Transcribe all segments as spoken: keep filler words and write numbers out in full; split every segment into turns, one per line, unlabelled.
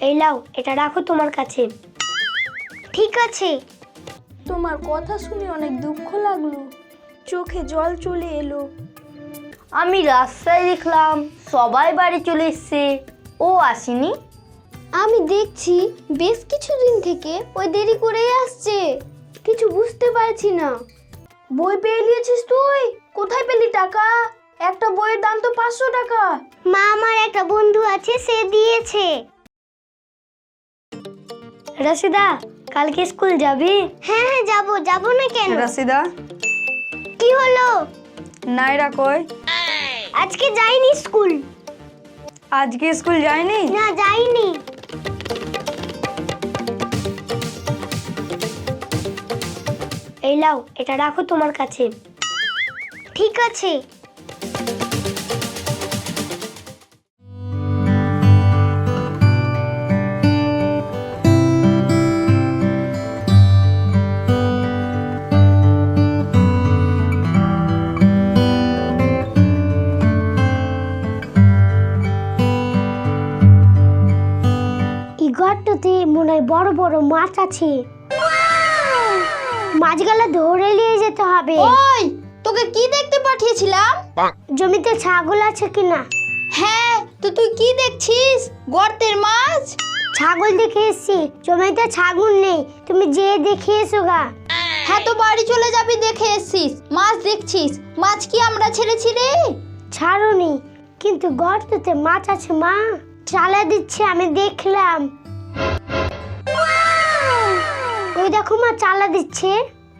এই লাও, এটা রাখো তোমার কাছে। ঠিক আছে।
তোমার কথা শুনে অনেক দুঃখ লাগলো, চোখে জল চলে এলো।
আমি রাস্তায় দেখলাম সবাই বাড়ি চলে এসছে, ও আসেনি।
আমি দেখছি বেশ কিছুদিন থেকে ওই দেরি করেই আসছে, কিছু বুঝতে পারছি না।
বই পেয়ে নিয়েছিস তুই? কোথায় পেলি টাকা? একটা বইয়ের দাম তো পাঁচশো টাকা।
মা, আমার একটা বন্ধু আছে, সে দিয়েছে। রাশিদা, কালকে স্কুল যাবি? হ্যাঁ হ্যাঁ যাবো, যাবো না কেন?
রাশিদা,
কি হলো?
নাইরা কই?
আজকে যাইনি স্কুল।
আজকে স্কুল যায়নি?
না, যাইনি। এই লাও, এটা রাখো তোমার কাছে। ঠিক আছে। এই ঘরটাতে মনে হয় বড় বড় মাছ আছে। মাছগুলো ধরে নিয়ে যেতে হবে।
ওই, তোকে কি দেখতে পাঠিয়েছিলাম?
জমিতে ছাগল আছে কিনা।
হ্যাঁ, তো তুই কি দেখছিস? গর্তের মাছ?
ছাগল দেখে এসছি, জমিতে ছাগল নেই, তুমি যে দেখে এসো গা।
হ্যাঁ, তো বাড়ি চলে যাবি, দেখে এসছিস, মাছ দেখছিস। মাছ কি আমরা ছেড়েছি রে?
ছাড়ুনি, কিন্তু গর্ততে মাছ আছে মা, চালা দিচ্ছে, আমি দেখলাম। ওই দেখো মা, চালা দিচ্ছে।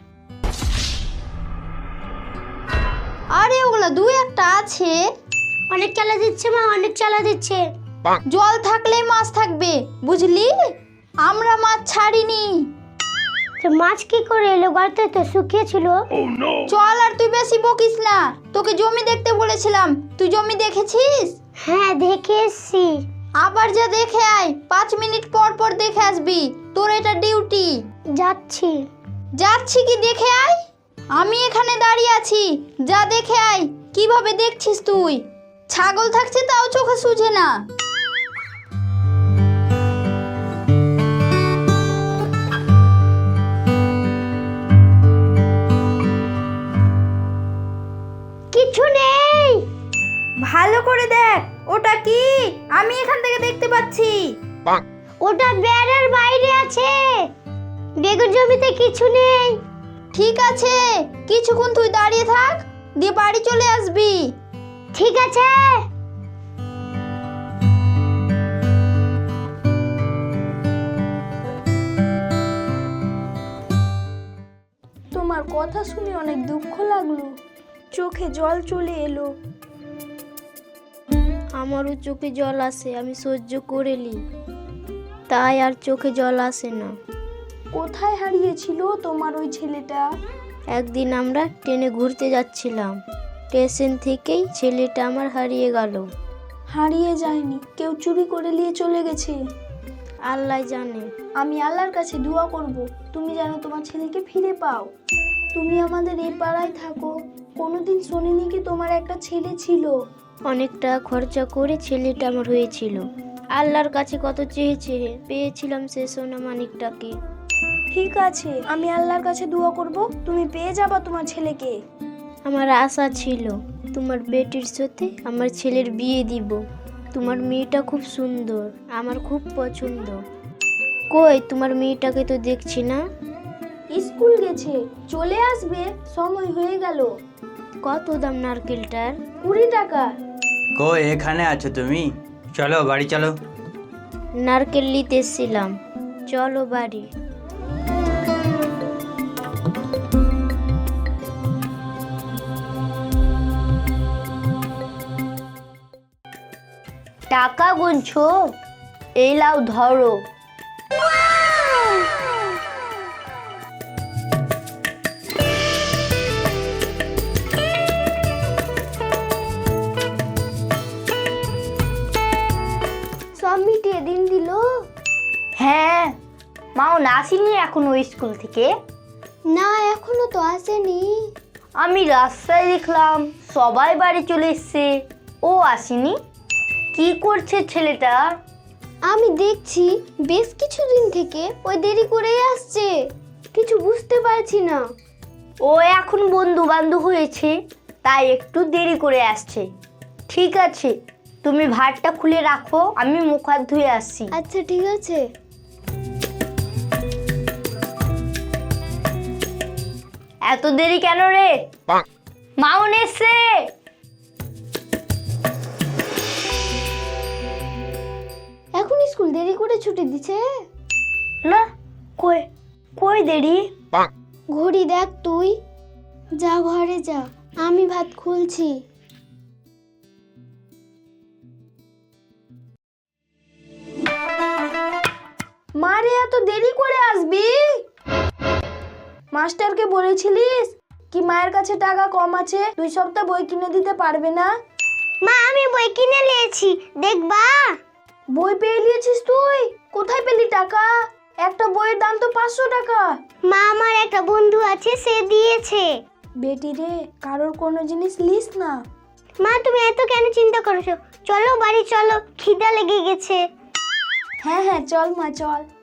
আরে ওগুলা দুই একটা আছে।
অনেক চালা দিচ্ছে মা, অনেক চালা দিচ্ছে।
জল থাকলেই মাছ থাকবে, বুঝলি? আমরা মাছ ছাড়িনি।
তো মাছ কি করে এলো? গর্তে তো শুকিয়ে ছিল।
চল, আর তুই বেশি বকিস না। তোকে জমি দেখতে বলেছিলাম, তুই জমি দেখেছিস?
হ্যাঁ, দেখে এসছি।
আবার যা দেখে আয়, পাঁচ মিনিট পর পর দেখে আসবি, তোর এটা ডিউটি।
যাচ্ছি।
যাচ্ছি কি, দেখে আয়। আমি এখানে দাঁড়িয়ে আছি, যা দেখে আয়। কিভাবে দেখছিস তুই? ছাগল থাকছে তাও চোখে সুঝে না।
কিছু নেই।
ভালো করে দেখ, ওটা কি? আমি এখান থেকে দেখতে পাচ্ছি।
ওটা বেড়ার বাইরে আছে। বেগুন জমিতে কিছু নেই।
ঠিক আছে, কিছুক্ষণ তুই দাঁড়িয়ে থাক, দিয়ে বাড়ি চলে আসবি।
ঠিক আছে।
তোমার কথা শুনে অনেক দুঃখ লাগলো, চোখে জল চলে এলো।
আমারও চোখে জল আসে, আমি সহ্য করে নি, তাই আর চোখে জল আসে না।
কোথায় হারিয়েছিল তোমার ওই ছেলেটা?
একদিন আমরা ট্রেনে ঘুরতে যাচ্ছিলাম, স্টেশন থেকেই ছেলেটা আমার হারিয়ে গেল।
হারিয়ে যায়নি, কেউ চুরি করে নিয়ে চলে গেছে।
আল্লাহ জানে।
আমি আল্লাহর কাছে দোয়া করব, তুমি যেন তোমার ছেলেকে ফিরে পাও। তুমি আমাদের এই পাড়ায় থাকো, কোনোদিন শুনিনি কি তোমার একটা ছেলে ছিল?
অনেক টাকা খরচা করে ছেলেটা আমার হয়েছিল। আল্লাহর কাছে কত চেয়ে চেয়ে পেয়েছিলাম সে সোনা মানিকটাকে।
ঠিক আছে, আমি আল্লাহর কাছে দোয়া করব, তুমি পেয়ে যাবা তোমার ছেলেকে।
আমার আশা ছিল তোমার বেটির সাথে আমার ছেলের বিয়ে দিব। তোমার মেয়েটা খুব সুন্দর, আমার খুব পছন্দ। কই তোমার মেয়েটাকে তো দেখছি না।
স্কুল গেছে, চলে আসবে, সময় হয়ে গেল।
কত দাম নারকেলটার?
কুড়ি টাকা।
কই এখানে আছো তুমি? চলো বাড়ি চলো।
নারকেল নিতে এসেছিলাম, চলো বাড়ি।
টাকা গুনছো? এই লাও, ধরো।
সব মিটিয়ে দিন দিল।
হ্যাঁ, মাও না আসেনি এখনো স্কুল থেকে।
না, এখনো তো আসেনি।
আমি রাস্তায় দেখলাম সবাই বাড়ি চলে এসছে, ও আসেনি। কি করছে ছেলেটা?
আমি দেখছি বেশ কিছুদিন থেকে ওই দেরি করেই আসছে, কিছু বুঝতে পারছি না।
ও এখন বন্ধু বান্ধব হয়েছে, তাই একটু দেরি করে আসছে। ঠিক আছে, তুমি ভাতটা খুলে রাখো, আমি মুখ হাত ধুয়ে আসছি।
আচ্ছা ঠিক আছে।
এত দেরি কেন রে? মাউন এসছে।
এখন স্কুল দেরি করে ছুটি দিছে?
না, কই কই দেরি?
ঘড়ি দেখ তুই। যা ঘরে যা, আমি ভাত খুলছি।
মারে এত দেরি করে আসবি? মাস্টারকে বলেছিলিস কি মায়ের কাছে টাকা কম আছে, দুই সপ্তাহ বই কিনে দিতে পারবে না?
মা আমি বই কিনে নিয়েছি, দেখবা?
বই পেয়ে নিয়েছিস তুই? কোথায় পেলি টাকা? একটা বইয়ের দাম তো পাঁচশো টাকা।
মা আমার একটা বন্ধু আছে, সে দিয়েছে।
বেটি রে, কারোর কোনো জিনিস লিস না।
মা তুমি এত কেন চিন্তা করছো? চলো বাড়ি চলো, খিদা লেগে গেছে।
হ্যাঁ হ্যাঁ চল মা চল।